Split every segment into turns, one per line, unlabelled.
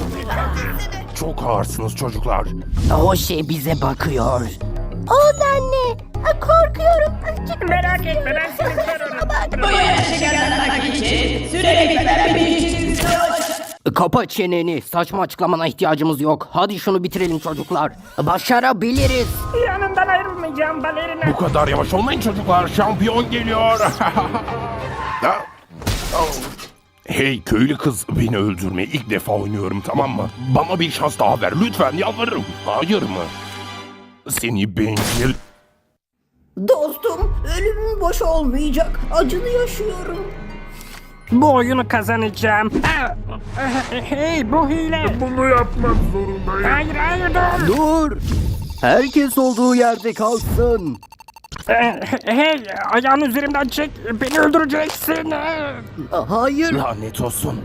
Çok ağırsınız çocuklar.
O şey bize bakıyor.
O da ne? Korkuyorum.
Merak etme, ben seni korurum.
Bu yarışı kazanmak için sürekli benim için savaş.
Kapa çeneni. Saçma açıklamana ihtiyacımız yok. Hadi şunu bitirelim çocuklar. Başarabiliriz.
Yanından ayrılmayacağım balerina.
Bu kadar yavaş olmayın çocuklar. Şampiyon geliyor. Ha? Oh. Hey köylü kız, beni öldürme. İlk defa oynuyorum, tamam mı? Bana bir şans daha ver lütfen, yalvarırım. Hayır mı? Seni bencil.
Dostum, ölümüm boş olmayacak. Acılı yaşıyorum.
Bu oyunu kazanacağım. Hey, bu hile.
Bunu yapmak zorundayım.
Hayır, hayır, dur.
Dur. Herkes olduğu yerde kalsın.
Hey, ayağını üzerimden çek. Beni öldüreceksin.
Hayır.
Lanet olsun.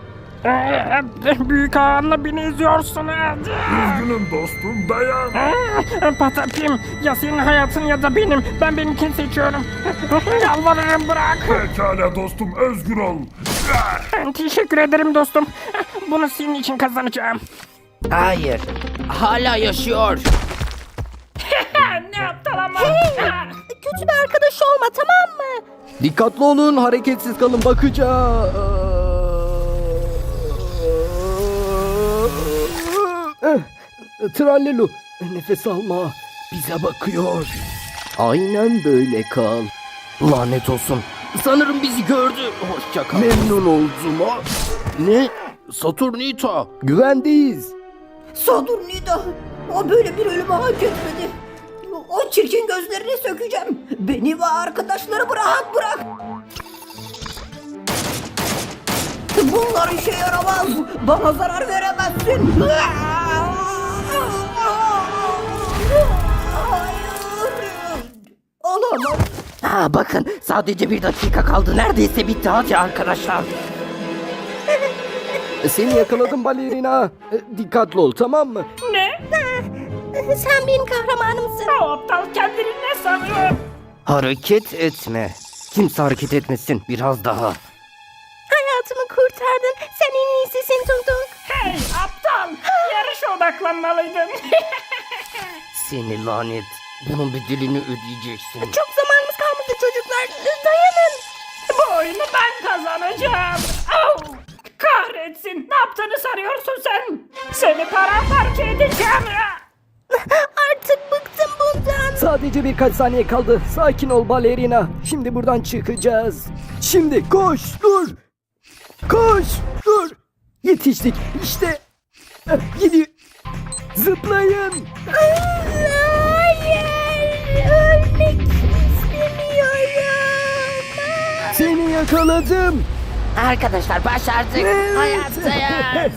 Büyük ağanla beni eziyorsun.
Üzgünüm dostum, dayan.
Patapim, ya senin hayatın ya da benim. Ben benimkini seçiyorum. Yalvarırım, bırak.
Pekala dostum, özgür ol.
Teşekkür ederim dostum. Bunu senin için kazanacağım.
Hayır. Hala yaşıyor.
Ne aptal ama.
Kötü bir arkadaş olma, tamam mı?
Dikkatli olun, hareketsiz kalın, bakacağız. Trallelu, nefes alma. Bize bakıyor. Aynen böyle kal. Lanet olsun. Sanırım bizi gördü. Hoşça kal. Memnun oldum ha. Ne? Saturnita. Güvendeyiz.
Saturnida, o böyle bir ölümü hak etmedi. O çirkin gözlerini sökeceğim. Beni ve arkadaşlarımı rahat bırak. Bunlar işe yaramaz. Bana zarar veremezsin. Hayır. Olamaz.
Ha bakın, sadece bir dakika kaldı. Neredeyse bitti. Hadi arkadaşlar. Seni yakaladım balerina. Dikkatli ol, tamam mı?
Ne?
Sen benim kahramanımsın.
O aptal kendini ne sanıyor?
Hareket etme. Kimse hareket etmesin. Biraz daha.
Hayatımı kurtardın. Sen en iyisisin Tung.
Hey aptal! Yarışa odaklanmalıydın.
Seni lanet. Bunun bedelini ödeyeceksin.
Çok zamanımız kalmadı çocuklar. Dayanın.
Bu oyunu ben kazanacağım. Au! Kahretsin! Ne yaptığını sanıyorsun sen? Seni paramparça edeceğim.
Artık bıktım bundan.
Sadece birkaç saniye kaldı. Sakin ol balerina. Şimdi buradan çıkacağız. Şimdi koş, dur. Koş, dur. Yetiştik. İşte. Gidiyor. Zıplayın.
Hayır. Ölmek istemiyorum.
Seni yakaladım. Arkadaşlar başardık. Hayattayız.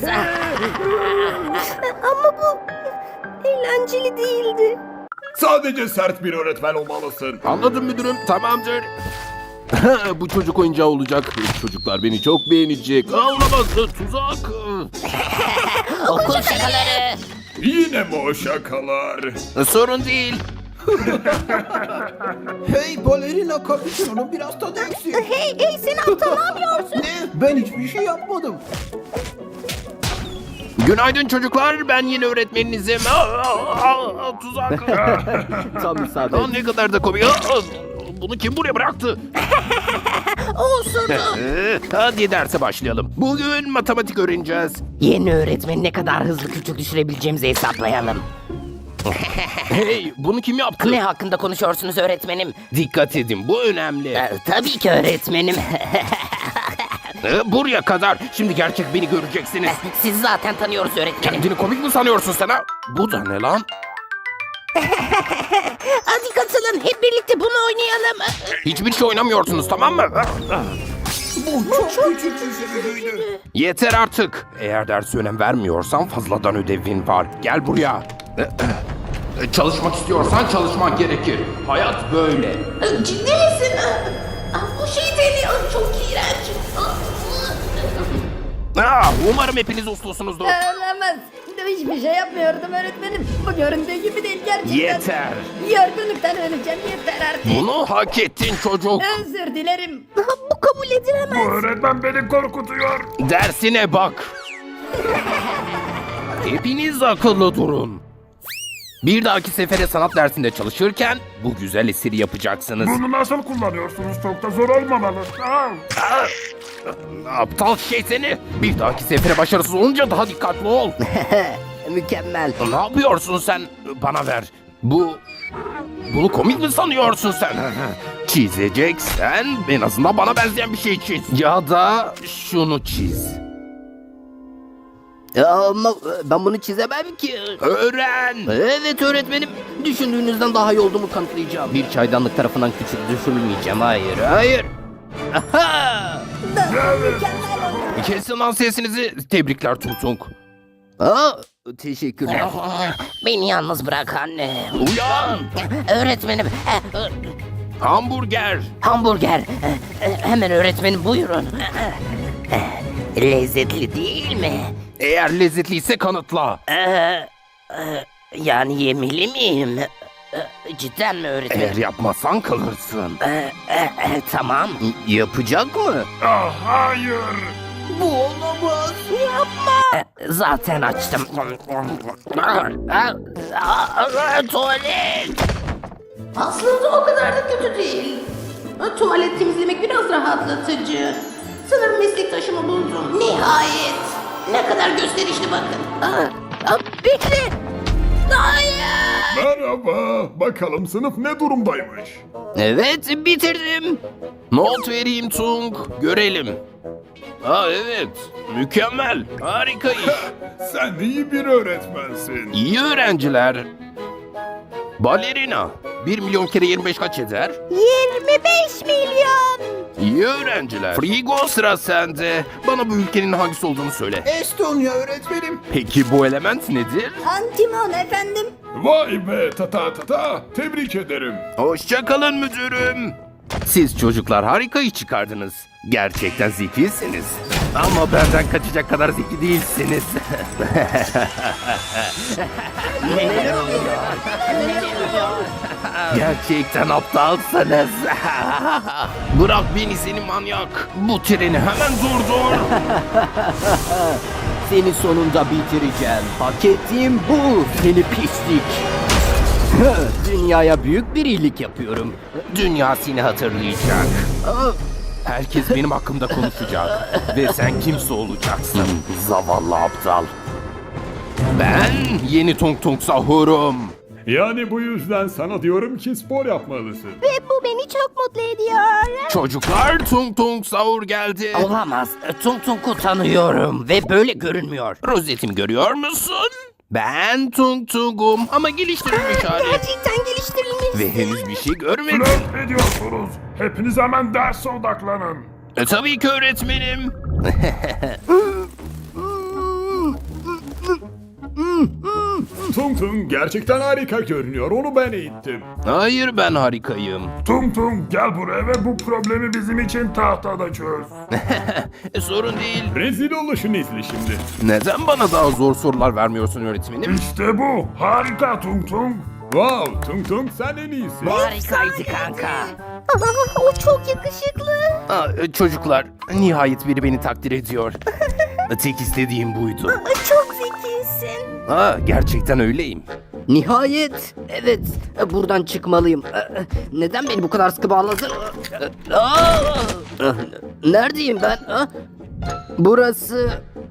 Ama bu eğlenceli değildi.
Sadece sert bir öğretmen olmalısın. Anladım müdürüm, tamamdır. Bu çocuk oyuncağı olacak. Çocuklar beni çok beğenecek. Olamaz, tuzak.
Okul şakaları.
Yine mi o şakalar? Sorun değil.
Hey balerina kapüşonun biraz tadı eksik.
Hey sen aptal ne yapıyorsun?
Ne? Ben hiçbir şey yapmadım.
Günaydın çocuklar, ben yeni öğretmeninizim. Tuzak.
Tam isabet.
Ne kadar da komik. Bunu kim buraya bıraktı?
Olsun.
Hadi derse başlayalım. Bugün matematik öğreneceğiz.
Yeni öğretmeni ne kadar hızlı küçük düşürebileceğimizi hesaplayalım.
Hey, bunu kim yaptı?
Ne hakkında konuşuyorsunuz öğretmenim?
Dikkat edin, bu önemli.
Tabii ki öğretmenim.
Buraya kadar. Şimdi gerçek beni göreceksiniz.
Sizi zaten tanıyoruz öğretmenim.
Kendini komik mi sanıyorsun sen ha? Bu da ne lan?
Hadi katılın hep birlikte bunu oynayalım.
Hiçbir şey oynamıyorsunuz, tamam mı?
Bu çok küçük bir sürücüydü.
Yeter artık. Eğer derse önem vermiyorsan fazladan ödevin var. Gel buraya. Çalışmak istiyorsan çalışman gerekir. Hayat böyle.
Ciddi misin? Bu şey deli. Çok iğrenç.
Umarım hepiniz uslusunuzdur.
Olamaz. Hiçbir şey yapmıyordum öğretmenim. Bu göründüğü gibi değil gerçekten.
Yeter.
Yorgunluktan öleceğim, yeter artık.
Bunu hak ettin çocuk.
Özür dilerim.
Bu kabul edilemez.
Öğretmen beni korkutuyor. Dersine bak.
Hepiniz akıllı durun. Bir dahaki sefere sanat dersinde çalışırken bu güzel eseri yapacaksınız.
Bunu nasıl kullanıyorsunuz? Çok da zor olmamalı.
Aptal şey seni. Bir dahaki sefere başarısız olunca daha dikkatli ol.
Mükemmel.
Ne yapıyorsun sen? Bana ver. Bunu komik mi sanıyorsun sen? Çizeceksen en azından bana benzeyen bir şey çiz. Ya da şunu çiz.
Ama ben bunu çizemem ki.
Öğren.
Evet öğretmenim. Düşündüğünüzden daha iyi olduğumu kanıtlayacağım.
Bir çaydanlık tarafından küçük düşürülmeyeceğim. Hayır, hayır. Aha! Kesin lan sesinizi. Tebrikler Tung.
Aa, teşekkürler.
Beni yalnız bırak anne.
Uyan.
Öğretmenim.
Hamburger.
Hamburger. Hemen öğretmenim buyurun. Lezzetli değil mi?
Eğer lezzetliyse kanıtla.
Yani yemeli miyim? Cidden mi öğretmenim?
Eğer yapmazsan kalırsın.
Tamam.
Yapacak mı?
Hayır.
Zaten açtım. Tuvalet.
Aslında o kadar da kötü değil. Tuvalet temizlemek biraz rahatlatıcı. Sanırım meslektaşımı buldum. Nihayet. Ne kadar gösterişli bakın.
Bekle. Hayır.
Merhaba. Bakalım sınıf ne durumdaymış?
Evet, bitirdim. Not vereyim Tung. Görelim. Evet. Mükemmel. Harika iş.
Sen iyi bir öğretmensin.
İyi öğrenciler. Balerina. 1 milyon kere 25 kaç eder?
25 milyon.
İyi öğrenciler. Frigo sıra sende. Bana bu ülkenin hangisi olduğunu söyle.
Estonya öğretmenim.
Peki bu element nedir?
Antimon efendim.
Vay be ta. Tebrik ederim.
Hoşçakalın müdürüm. Siz çocuklar harika iş çıkardınız. Gerçekten zekisiniz. Ama benden kaçacak kadar zeki değilsiniz. Gerçekten aptalsınız. Bırak beni seni manyak. Bu treni hemen durdur.
Seni sonunda bitireceğim. Hak ettiğim bu seni pislik. Dünyaya büyük bir iyilik yapıyorum.
Dünya seni hatırlayacak. Herkes benim hakkımda konuşacak. Ve sen kimse olacaksın. Zavallı aptal. Ben yeni Tung Sahur'um.
Yani bu yüzden sana diyorum ki spor yapmalısın.
Ve bu beni çok mutlu ediyor.
Çocuklar Tung Sahur geldi.
Olamaz. Tung Tung'u tanıyorum ve böyle görünmüyor.
Rozetimi görüyor musun? Ben Tung'um ama geliştirilmiş hali.
Gerçekten geliştirilmiş.
Ve henüz bir şey görmedim.
Flört ediyorsunuz. Hepiniz hemen derse odaklanın.
Tabii ki öğretmenim.
Tung gerçekten harika görünüyor. Onu ben eğittim.
Hayır ben harikayım.
Tung gel buraya ve bu problemi bizim için tahtada çöz.
Sorun değil.
Rezil oluşunu izle şimdi.
Neden bana daha zor sorular vermiyorsun öğretmenim?
İşte bu. Harika Tung.
Wow Tung sen en iyisin.
Harikaydı kanka.
O çok yakışıklı.
Çocuklar nihayet biri beni takdir ediyor. Tek istediğim buydu.
Çok zekisin.
Gerçekten öyleyim.
Nihayet. Evet. Buradan çıkmalıyım. Neden beni bu kadar sıkı bağladın? Neredeyim ben? Burası...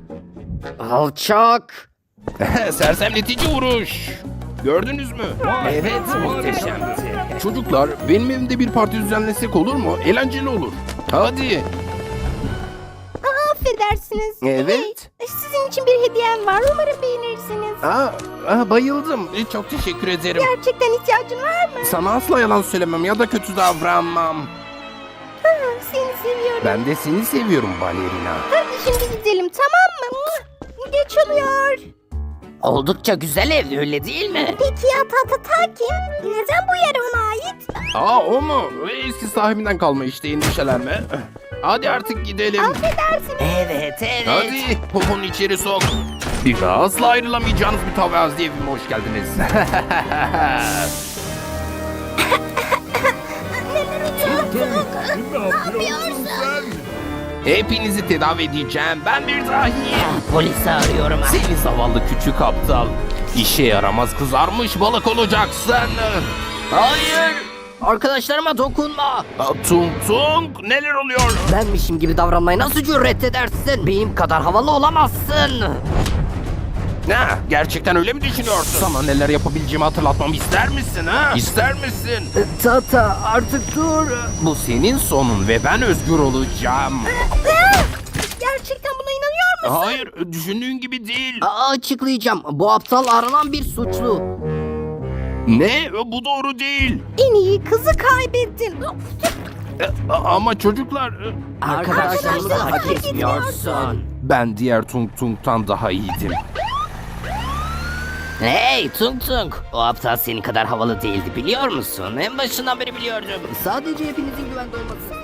Alçak.
Sersemletici vuruş. Gördünüz mü? Evet muhteşemdi. Çocuklar benim evimde bir parti düzenlesek olur mu? Eğlenceli olur. Hadi.
Affedersiniz.
Evet.
Sizin için bir hediyem var. Umarım beğenirsiniz.
Bayıldım. Çok teşekkür ederim.
Gerçekten ihtiyacın var mı?
Sana asla yalan söylemem ya da kötü davranmam.
Seni seviyorum.
Ben de seni seviyorum balerina.
Hadi şimdi gidelim, tamam mı? Geç oluyor.
Oldukça güzel ev öyle değil mi?
Peki ya Tata kim? Neden bu yer ona ait?
O mu? Eski sahibinden kalma işte endişelenme. Hadi artık gidelim.
Affedersiniz.
Evet.
Hadi poponu içeri sok. Bir daha asla ayrılamayacağınız bir tavazlı evime hoş geldiniz.
Ne yapıyorsun sen?
Hepinizi tedavi edeceğim. Ben bir dahiyim.
Polisi arıyorum.
Seni zavallı küçük aptal. İşe yaramaz kızarmış balık olacaksın.
Hayır. Arkadaşlarıma dokunma.
Tung tung neler oluyor?
Benmişim gibi davranmayı nasıl cüret edersin? Benim kadar havalı olamazsın.
Ne? Gerçekten öyle mi düşünüyorsun? Sana neler yapabileceğimi hatırlatmamı ister misin ha? İster misin?
Tata artık dur.
Bu senin sonun ve ben özgür olacağım.
Gerçekten buna inanıyor musun?
Hayır, düşündüğün gibi değil.
Açıklayacağım. Bu aptal aranan bir suçlu.
Ne? Bu doğru değil.
En iyi kızı kaybettin.
Ama çocuklar...
Arkadaşlarımızı hak etmiyorsun.
Ben diğer Tung Tung'tan daha iyiydim.
Hey Tung Tung. O aptal senin kadar havalı değildi biliyor musun? En başından beri biliyordum. Sadece hepinizin güvende olması